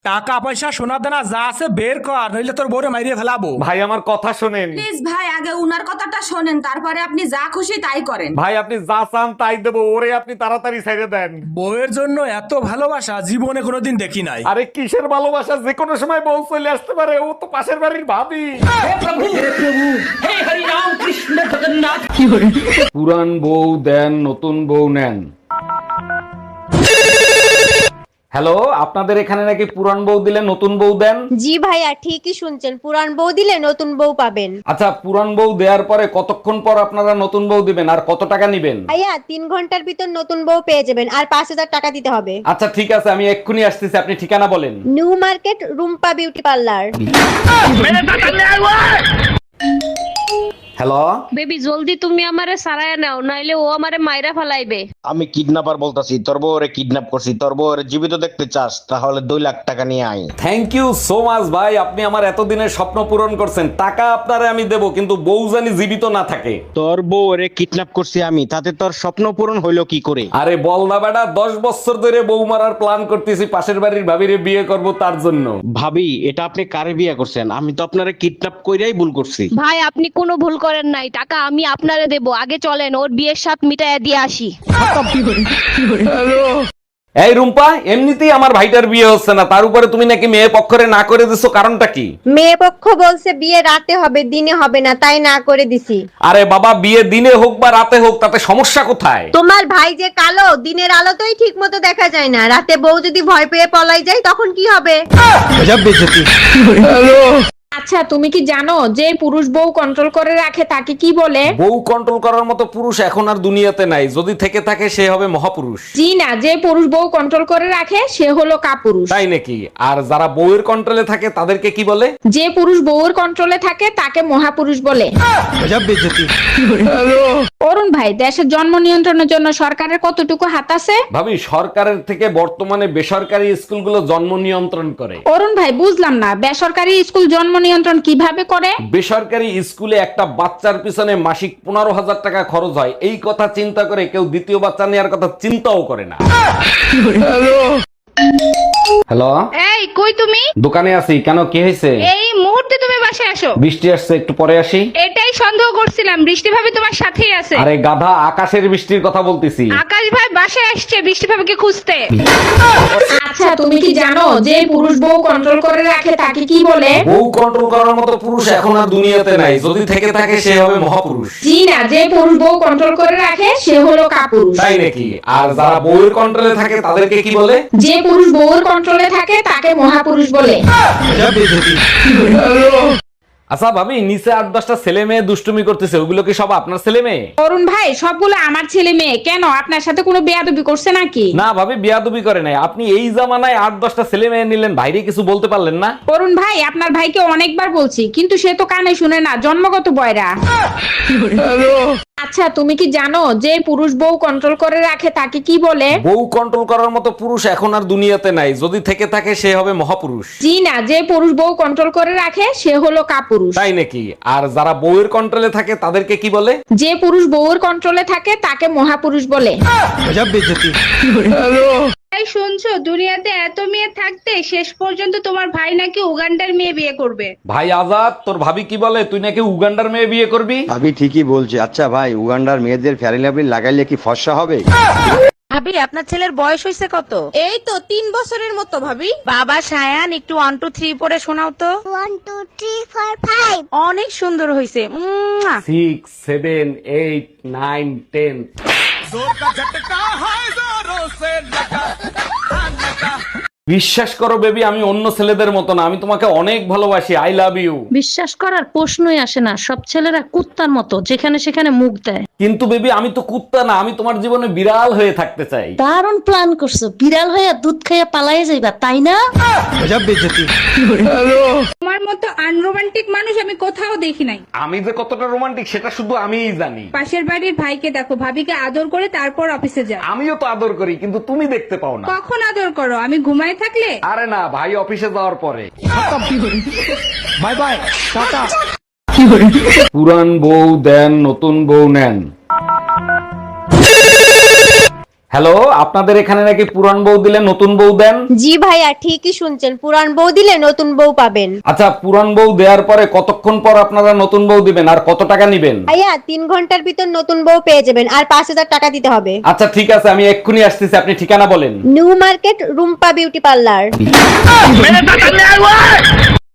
টাকা পয়সা সোনা দানা যা আছে বের কর, নইলে তোর বউরে মাইরিয়ে ফেলাবো। ভাই আমার কথা শোনেন। প্লিজ ভাই, আগে উনার কথাটা শোনেন, তারপরে আপনি যা খুশি তাই করেন। ভাই আপনি যা চান তাই দেবো, ওরে আপনি তাড়াতাড়ি ছেড়ে দেন। বউয়ের জন্য এত ভালোবাসা জীবনে কোনোদিন দেখি নাই। আরে কিসের ভালোবাসা, যে কোনো সময় বউ চলে আসতে পারে, ও তো পাশের বাড়ির ভাবি। পুরান বউ দেন, নতুন বউ নেন। হ্যালো, আপনাদের এখানে নাকি পুরান বউ দিলে নতুন বউ দেন? জি ভাইয়া, ঠিকই শুনছেন, পুরান বউ দিলে নতুন বউ পাবেন। আচ্ছা, পুরান বউ দেওয়ার পরে কতক্ষণ পর আপনারা নতুন বউ দিবেন আর কত টাকা নিবেন? ভাইয়া 3 ঘন্টার ভিতর নতুন বউ পেয়ে যাবেন, আর 5000 টাকা দিতে হবে। আচ্ছা ঠিক আছে, আমি এক্ষুনি আসতেছি, আপনি ঠিকানা বলেন। New Market, Rumpa beauty parlour. Hello baby জলদি তুমি আমারে সারায় নাও, নাইলে ও আমারে মাইরা ফালাইবে। আমি কিডন্যাপার বলতাছি, তোর বউরে কিডন্যাপ করছি। তোর বউরে জীবিত দেখতে চাস তাহলে 2 লাখ টাকা নিয়ে আয়। থ্যাংক ইউ সো মাচ ভাই, আপনি আমার এতদিনের স্বপ্ন পূরণ করছেন। টাকা আপনারে আমি দেবো, কিন্তু বউ জানি জীবিত না থাকে। তোর বউরে কিডন্যাপ করছি আমি, তাতে তোর স্বপ্ন পূরণ হইলো কি করে? আরে বল না বেটা, 10 বছর ধরে বউ মারার প্ল্যান করতেছি, পাশের বাড়ির ভাবিরে বিয়ে করব তার জন্য। ভাবি, এটা আপনি কারে বিয়ে করছেন? আমি তো আপনারে কিডন্যাপ কইরাই ভুল করছি। ভাই আপনি কোনো ভুল করেন নাই, টাকা আমি আপনারে দেব। আগে চলেন ওর বিয়ের সাথ মিটাইয়া দিয়ে আসি। এই রুম্পা, এমনিতেই আমার ভাইটার বিয়ে হচ্ছে না, তার উপরে তুমি নাকি মেয়ে পক্ষরে না করে দিছো, কারণটা কি? মেয়ে পক্ষ বলছে বিয়ে রাতে হবে, দিনে হবে না, তাই না করে দিছি। আরে বাবা, বিয়ে দিনে হোক বা রাতে হোক, তাতে সমস্যা কোথায়? তোমার ভাই যে কালো, দিনের আলোতেই ঠিক মতো দেখা যায় না, রাতে বউ যদি ভয় পেয়ে পলাই যায় তখন কি হবে? আচ্ছা, তুমি কি জানো যে পুরুষ বউ কন্ট্রোল করে রাখে তাকে কি বলে? বউ কন্ট্রোল করার মতো পুরুষ এখন আর দুনিয়াতে নাই, যদি থেকে থাকে সে হবে মহাপুরুষ। জি না, যে পুরুষ বউ কন্ট্রোল করে রাখে সে হলো কাপুরুষ। তাই নাকি? আর যারা বউয়ের কন্ট্রোলে থাকে তাদেরকে কি বলে? যে পুরুষ বউর কন্ট্রোলে থাকে তাকে মহাপুরুষ বলে। অরুণ ভাই, দেশের জন্ম নিয়ন্ত্রণের জন্য সরকারের কতটুকু হাত আছে? ভাবি, সরকারের থেকে বর্তমানে বেসরকারি স্কুলগুলো জন্ম নিয়ন্ত্রণ করে। অরুণ ভাই, বুঝলাম না, বেসরকারি স্কুল জন্ম নিয়ন্ত্রণ কিভাবে করে? বেসরকারি স্কুলে একটা বাচ্চার পিছনে মাসিক 15,000 টাকা খরচ হয়, এই কথা চিন্তা করে কেউ দ্বিতীয় বাচ্চা নেওয়ার কথা চিন্তাও করে না। হ্যালো, এই কই তুমি? দোকানে আছি, কেন কি হয়েছে? এই মুহূর্তে তুমি বাসায় আসো। বৃষ্টি আসছে, একটু পরে আসি। এটাই সন্দেহ করছিলাম, বৃষ্টি ভাবি তোমার সাথেই আছে। আরে গাধা, আকাশের বৃষ্টির কথা বলতেছি। আকাশ ভাই বাসায় আসছে বৃষ্টি ভাবিকে খুঁজতে। আচ্ছা, তুমি কি জানো যে পুরুষ বউ কন্ট্রোল করে রাখে তাকে কি বলে? বউ কন্ট্রোল করার মতো পুরুষ এখন আর দুনিয়াতে নাই, যদি থেকে থাকে সে হবে মহাপুরুষ। জি না, যে পুরুষ বউ কন্ট্রোল করে রাখে সে হলো কাপুরুষ। তাই নাকি? আর যারা বউয়ের কন্ট্রোলে থাকে তাদেরকে কি বলে? যে পুরুষ বউর কন্ট্রোলে থাকে তাকে মহাপুরুষ বলে। আচ্ছা ভাবি, নিচে 8-10টা ছেলে মেয়ে দুষ্টুমি করতেছে, ওগুলো কি সব আপনার ছেলে মেয়ে? অরুণ ভাই, সবগুলো আমার ছেলে মেয়ে। কেন, আপনার সাথে কোনো বেয়াদবি করছে নাকি? না ভাবি, বিয়াদবি করে নাই। আপনি এই জামানায় 8-10টা ছেলে মেয়ে নিলেন, ভাইরে কিছু বলতে পারলেন না? অরুণ ভাই, আপনার ভাইকে অনেকবার বলছি, কিন্তু সে তো কানে শুনে না, জন্মগত বয়রা। আচ্ছা, তুমি কি জানো যে পুরুষ বউ কন্ট্রোল করে রাখে তাকে কি বলে? বউ কন্ট্রোল করার মতো পুরুষ এখন আর দুনিয়াতে নাই, যদি থেকে থাকে সে হবে মহাপুরুষ। জি না, যে পুরুষ বউ কন্ট্রোল করে রাখে সে হলো কাপুরুষ। তাই নাকি? আর যারা বউয়ের কন্ট্রোলে থাকে তাদেরকে কি বলে? যে পুরুষ বউর কন্ট্রোলে থাকে তাকে মহাপুরুষ বলে। এই শুনছো, দুনিয়াতে এত মেয়ে থাকতে শেষ পর্যন্ত তোমার ভাই নাকি উগান্ডার মেয়ে বিয়ে করবে। ভাই আজাদ, তোর ভাবি কি বলে, তুই নাকি উগান্ডার মেয়ে বিয়ে করবি? ভাবি ঠিকই বলছে। আচ্ছা ভাই, উগান্ডার মেয়েদের ফেয়ারি লাভলি লাগাইলে কি ফর্সা হবে? ভাবি, আপনার ছেলের বয়স হয়েছে কত? এই তো 3 বছরের মতো ভাবি। বাবা সায়ান, একটু 1 2 3 পড়ে শোনাও তো। 1 2 3 4 5। অনেক সুন্দর হয়েছে। 6 7 8 9 10। বিশ্বাস করো বেবি, আমি অন্য ছেলেদের মতো না, আমি তোমাকে অনেক ভালোবাসি। I love you. বিশ্বাস করার প্রশ্নই আসে না, সব ছেলেরা কুত্তার মতো যেখানে সেখানে মুখ দেয়। কিন্তু বেবি, আমি তো কুত্তা না, আমি তোমার জীবনে বিড়াল হয়ে থাকতে চাই। দারুণ প্ল্যান করছো, বিড়াল হয়ে দুধ খাইয়া পালাইয়া যাইবা, তাই না? তোমার মতো আনরোমান্টিক মানুষ আমি কোথাও দেখি নাই। আমি যে কতটা রোমান্টিক সেটা শুধু আমিই জানি। পাশের বাড়ির ভাইকে দেখো, ভাবিকে আদর করে তারপর অফিসে যায়। আমিও তো আদর করি, কিন্তু তুমি দেখতে পাও না। কখন আদর করো? আমি ঘুমায় থাকলে? আরে না, ভাই অফিসে যাওয়ার পরে। Bye bye, tata. পুরান বউ দেন, নতুন বউ নেন। হ্যালো, আপনাদের এখানে নাকি পুরান বউ দিলে নতুন বউ দেন? জি ভাইয়া, ঠিকই শুনছেন, পুরান বউ দিলে নতুন বউ পাবেন। আচ্ছা, পুরান বউ দেওয়ার পরে কতক্ষণ পর আপনারা নতুন বউ দিবেন আর কত টাকা নিবেন? ভাইয়া 3 ঘন্টার ভিতর নতুন বউ পেয়ে যাবেন, আর 5000 টাকা দিতে হবে। আচ্ছা ঠিক আছে, আমি এক্ষুনি আসতেছি, আপনি ঠিকানা বলেন। New Market, Rumpa beauty parlour.